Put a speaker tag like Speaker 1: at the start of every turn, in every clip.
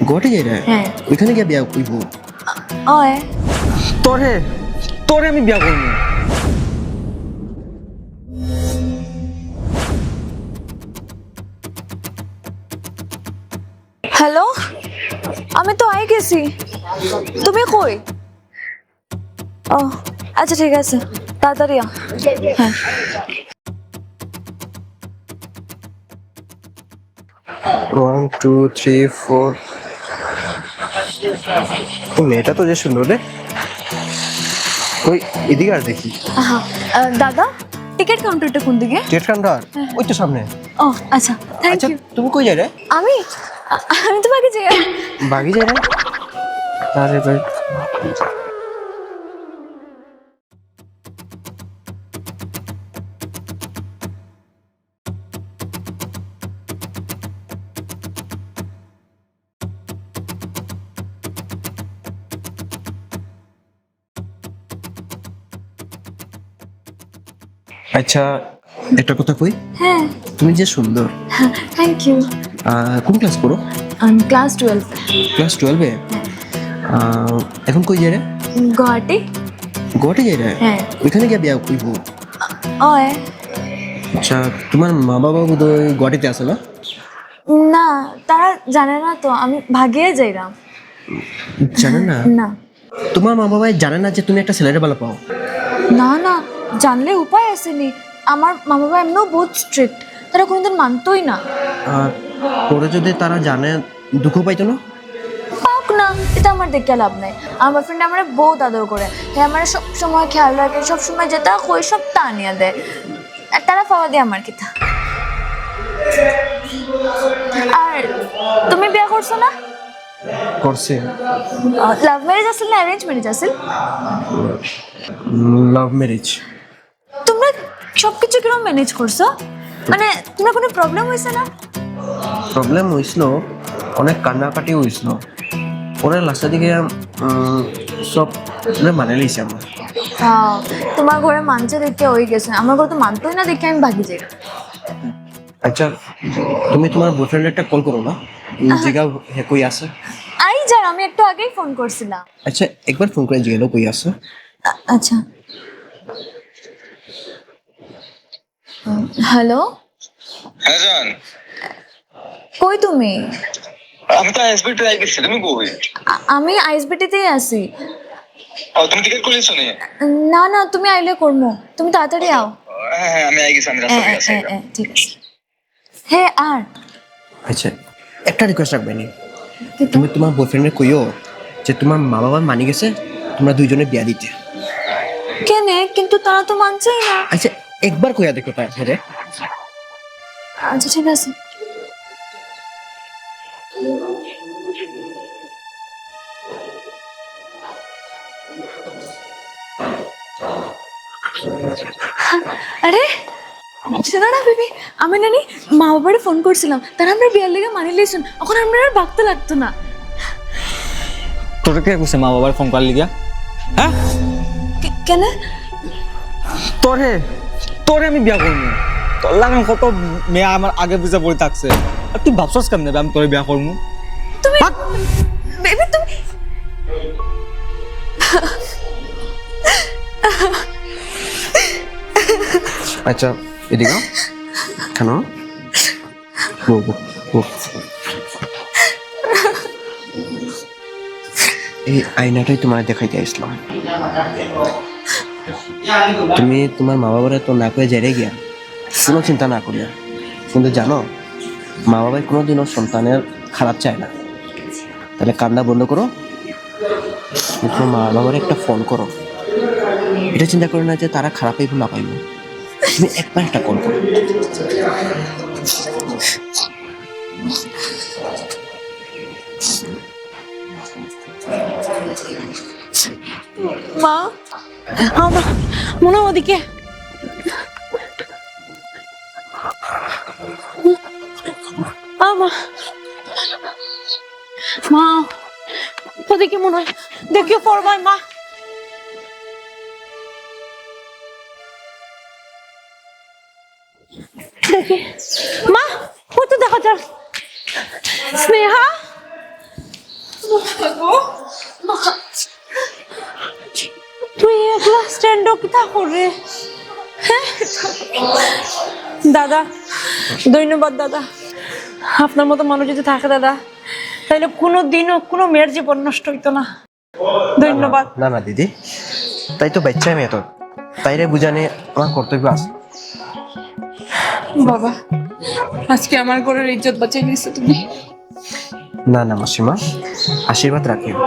Speaker 1: ঘটে যাই রে
Speaker 2: হ্যাঁ
Speaker 1: ওইখানে গিয়ে বিয়া কইব
Speaker 2: ওই
Speaker 3: তোরে তোরে আমি বিয়া করবো।
Speaker 2: হ্যালো আমি তো আই গেছি তুমি কই ও আচ্ছা ঠিক আছে তাড়াতাড়ি আ হ্যাঁ
Speaker 1: 1 2 3 4 মেয়েটা তো যে সুন্দর রে ওই এদিকে আর দেখি
Speaker 2: আহা দাদা টিকিট কাউন্টারটা কোন দিকে
Speaker 1: টিকিট কাউন্টার ওই তো সামনে
Speaker 2: ও আচ্ছা থ্যাংক
Speaker 1: আচ্ছা
Speaker 2: ইউ
Speaker 1: তুমি কই যাই রে
Speaker 2: আমি আমি তো বাকি যাই
Speaker 1: বাগি যাই রে আরে ভাই আচ্ছা একটা কথা কই
Speaker 2: হ্যাঁ
Speaker 1: তুমি যে সুন্দর
Speaker 2: থ্যাংক ইউ
Speaker 1: কোন ক্লাস পড়ো
Speaker 2: আমি ক্লাস 12
Speaker 1: ক্লাস 12 এ এখন কই যাই রে
Speaker 2: গুয়াহাটি
Speaker 1: গোয়াটে যাই রে
Speaker 2: হ্যাঁ
Speaker 1: ওইখানে গিয়ে বিয়া কইব
Speaker 2: ওই
Speaker 1: আচ্ছা তোমার মা বাবা বোধহয় গুয়াহাটিতে আছে না
Speaker 2: না তারা জানে না তো আমি ভাগিয়ে যাইরাম
Speaker 1: জানে না
Speaker 2: না
Speaker 1: তোমার মা বাবাই জানে না যে তুমি একটা ছেলেরে ভালো পাও
Speaker 2: না না জানলে উপায় আসেনি আমার মা বাবা এমনিও বহুত স্ট্রিক্ট তারা কোনোদিন মানতোই না
Speaker 1: আর পরে যদি তারা জানে দুঃখ পাইতো না
Speaker 2: পাক না এটা আমার দেখে লাভ নাই আমার ফ্রেন্ড আমার বহুত আদর করে আমার সব সময় খেয়াল রাখে সব সময় যেটা কই সব তা আনিয়া দেয় আর তারা পাওয়া দিয়ে আমার কিতা আর তুমি বিয়ে করছো না
Speaker 1: করছে
Speaker 2: লাভ ম্যারেজ আসল না অ্যারেঞ্জ ম্যারেজ আসল
Speaker 1: লাভ ম্যারেজ
Speaker 2: তোমরা সবকিছু কিরকম ম্যানেজ করছো মানে তোমার কোনো প্রবলেম হয়েছে না
Speaker 1: প্রবলেম হয়েছিল অনেক কান্নাকাটি হয়েছিল পরে লাস্টের দিকে সব মানে লইছে আমার
Speaker 2: তোমার ঘরে মানছে দেখে হয়ে গেছে আমার ঘরে তো মানতোই না দেখে আমি ভাগি যাই
Speaker 1: আচ্ছা তুমি তোমার বয়ফ্রেন্ড একটা কল করো না জিগা হে কই আছে
Speaker 2: আই যার আমি একটু আগেই ফোন করছিলাম
Speaker 1: আচ্ছা একবার ফোন করে জিগেলো কই আছে
Speaker 2: আচ্ছা হ্যালো
Speaker 4: হ্যাঁ জান
Speaker 2: কই তুমি
Speaker 4: আমি তো এসবি ট্রাই করছি তুমি কই
Speaker 2: আমি আইএসবিটিতেই আছি
Speaker 4: ও তুমি টিকিট করেছো নি
Speaker 2: না না তুমি আইলে করমু তুমি তাড়াতাড়ি আও
Speaker 4: হ্যাঁ হ্যাঁ আমি আই গেছি আমি রাস্তা দিয়ে আসি
Speaker 2: ঠিক আছে হ্যাঁ আর
Speaker 1: আচ্ছা একটা রিকোয়েস্ট রাখবে নি তুমি তোমার বয়ফ্রেন্ডে কইও যে তোমার মা বাবা মানি গেছে তোমরা দুইজনে বিয়া দিতে
Speaker 2: কেনে কিন্তু তারা তো মানছেই না
Speaker 1: আচ্ছা একবার কইয়া দেখো তাই রে
Speaker 2: আচ্ছা ঠিক আছে আরে সেটা না বেবি আমি নানি মা বাবারে ফোন করছিলাম তারা আমরা বিয়ার লেগে মানি লইছুন এখন আমরা আর বাগতে লাগতো না
Speaker 3: তোরে কে কইছে মা বাবার ফোন করলি গিয়া হ্যাঁ
Speaker 2: কেন
Speaker 3: তোরে তোরে আমি বিয়া করবো তোর লাগান কত মেয়ে আমার আগে পিছে পড়ে থাকছে আর তুই ভাবছস কেমনে আমি তোরে বিয়া করবো
Speaker 2: তুমি বেবি তুমি
Speaker 1: আচ্ছা এদিকে কেন এই আয়নাটাই তোমার দেখাইতে আসলাম তুমি তোমার মা বাবারে তো না করে জেরে গিয়া কোনো চিন্তা না করিয়া কিন্তু জানো মা বাবাই কোনোদিনও সন্তানের খারাপ চায় না তাহলে কান্না বন্ধ করো তোমার মা বাবার একটা ফোন করো এটা চিন্তা করে না যে তারা খারাপ পাইব না পাইব তুমি একবার একটা কল করো
Speaker 2: মা আমার মনে হয় ওদিকে মা মা ওদিকে মনে হয় দেখিও পড়বাই মা দেখি মা ওই তো দেখা যাক স্নেহা
Speaker 5: কিতা করে হ্যাঁ দাদা ধন্যবাদ দাদা আপনার মতো মানুষ যদি থাকে দাদা তাহলে কোনো দিনও কোনো মেয়ের জীবন নষ্ট হইতো না ধন্যবাদ
Speaker 1: না না দিদি, তাই তো বাচ্চা মেয়ে তোর, তাইরে বুঝানে আমার কর্তব্য আছে।
Speaker 5: বাবা আজকে আমার ঘরের ইজ্জত বাঁচিয়ে নিয়েছো তুমি
Speaker 1: না না মাসিমা, আশীর্বাদ রাখিও।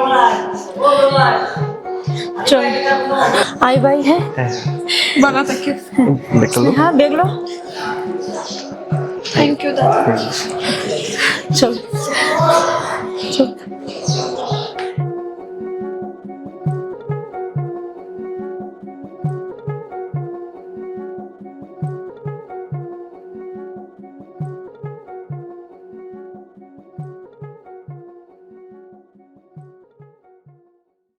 Speaker 5: চল আই ভাই হ্যাঁ
Speaker 1: হ্যাঁ
Speaker 5: বাবা থাকিও
Speaker 1: দেখলো।
Speaker 5: হ্যাঁ দেখলো থ্যাংক ইউ দাদা চল চল